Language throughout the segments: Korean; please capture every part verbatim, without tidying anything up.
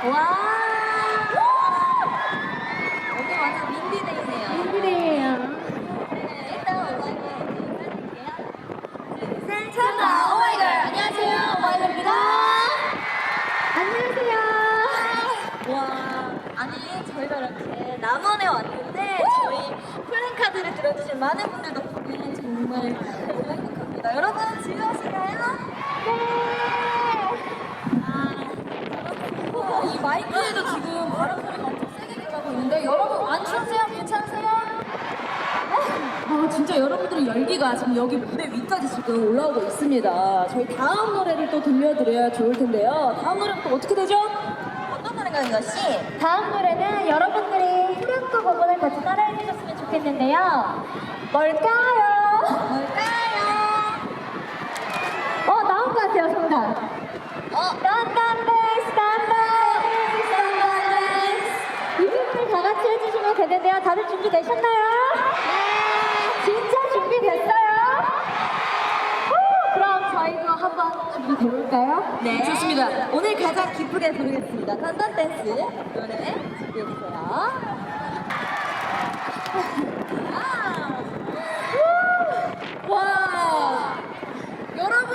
와. 여기 완전 민디데이네요. 민디데이예요. 네, 일단 오마이걸 인사드릴게요. 셋, 찬다 오마이걸. 안녕하세요, 오마이걸입니다. 안녕하세요. 와, 아니 저희가 이렇게 남원에 왔는데 저희 플랜카드를 들어주신 많은 분들 덕분에 정말 너무 행복합니다. 여러분 즐거우신가요? 네. 아, 이 마이크에도 지금 바람 소리가 엄청 세게 들어가고 있는데 여러분 안 추우세요? 괜찮으세요? 아, 진짜 여러분들의 열기가 지금 여기 무대 위까지 지금 올라오고 있습니다. 저희 다음 노래를 또 들려드려야 좋을 텐데요. 다음 노래는 또 어떻게 되죠? 어떤 노래인가요, 이거 씨? 다음 노래는 여러분들이 후렴구 부분을 같이 따라해 주셨으면 좋겠는데요. 뭘까요? 뭘까요? 어, 나온 것 같아요, 정답. 어? 딴딴댄스, 딴딴댄스, 딴딴댄스. 이 부분을 다 같이 해주시면 되는데요. 다들 준비되셨나요? 네. 진짜 준비됐어요? 후, 그럼 저희도 한번 준비돼볼까요? 네, 좋습니다. 오늘 가장 기쁘게 부르겠습니다. 딴딴 댄스 노래 준비해주세요. 와, 여러분,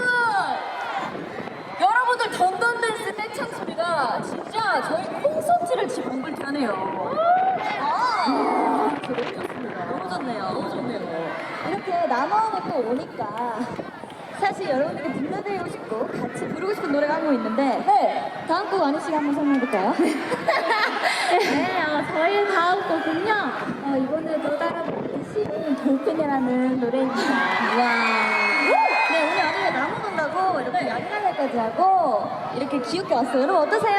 여러분들 던던 댄스 떼창 소리가 진짜 저희 콘서트를 지금 방불케 하네요. 아, 너무 좋습니다. 너무 좋네요. 너무 좋네요. 이렇게 남아오면 또 오니까. 사실 여러분들께 들려드리고 싶고 같이 부르고 싶은 노래가 한 곡 있는데 네, 다음 곡 아니 씨가 한번 설명해볼까요? 네, 어, 저희 다음 곡은요. 어, 이번에 또 따라 부르신 돌핀이라는 노래입니다. 와. 네, 오늘 아침에 나무 논다고 이렇게 야근날까지 하고 이렇게 귀엽게 왔어요. 여러분 어떠세요?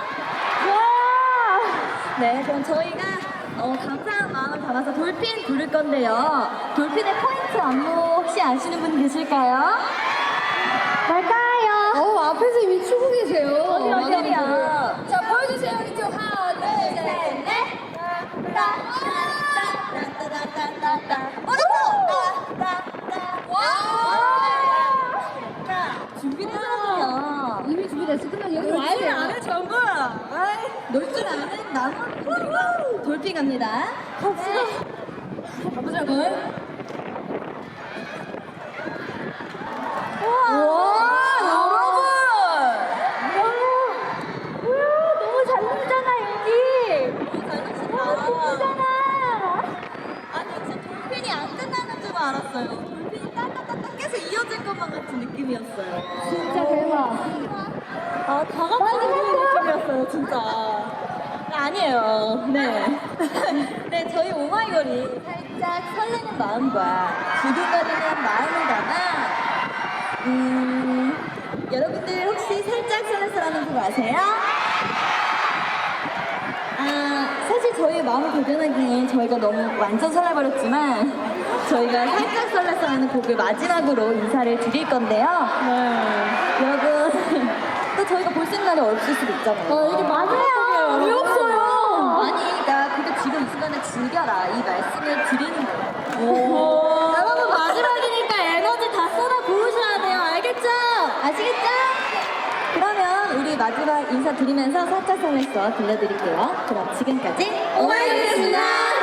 와! 네, 그럼 저희가 어, 감사한 마음을 담아서 돌핀 부를 건데요. 돌핀의 포인트 안무 혹시 아시는 분 계실까요? 뭘까요? 어, 앞에서 이미 추고 계세요. 어디, 어디, 어디야? 자, 보여주세요. 이쪽 하나, 둘, 셋, 넷. 따따따따따따따. 어딨어? 따따따. 와! 준비되셨군요. 이미 준비됐어. 그냥 여기 놀 와야 줄 돼요. 아는 전부. 놀 줄 아는 남은 분들과 돌핀 갑니다. 갑시다. 가보자고요. 우와! 여러분! 우와, 너무 잘 놀잖아, 여기. 너무 잘 너무 노신다. 예쁘잖아. 아니 진짜 돌핀이 안 끝나는 줄 알았어요. 돌핀이 따따따따 계속 이어질 것만 같은 느낌이었어요. 진짜 대박. 아, 다 같이 부르는 느낌이었어요, 진짜. 아니에요. 네. 네, 저희 오마이걸이 살짝 설레는 마음과 두근거리는 마음을 담아, 음, 여러분들 혹시 살짝 설레서라는 곡 아세요? 아, 사실 저희 마음을 도전하기엔 저희가 너무 완전 설레버렸지만 저희가 살짝 설레서라는 곡을 마지막으로 인사를 드릴 건데요. 네. 여러분, 또 저희가 볼 수 있는 날이 없을 수도 있잖아요. 어, 이게 마지막이에요. 왜 없어요? 아니, 나 근데 지금 이 시간에 즐겨라. 이 말씀을 드리는 거예요. 여러분, 마지막이니까 에너지 다 쏟아 부으셔야 돼요. 알겠죠? 아시겠죠? 그러면 우리 마지막 인사 드리면서 살짝 설렜어 들려드릴게요. 그럼 지금까지 오마이걸이었습니다.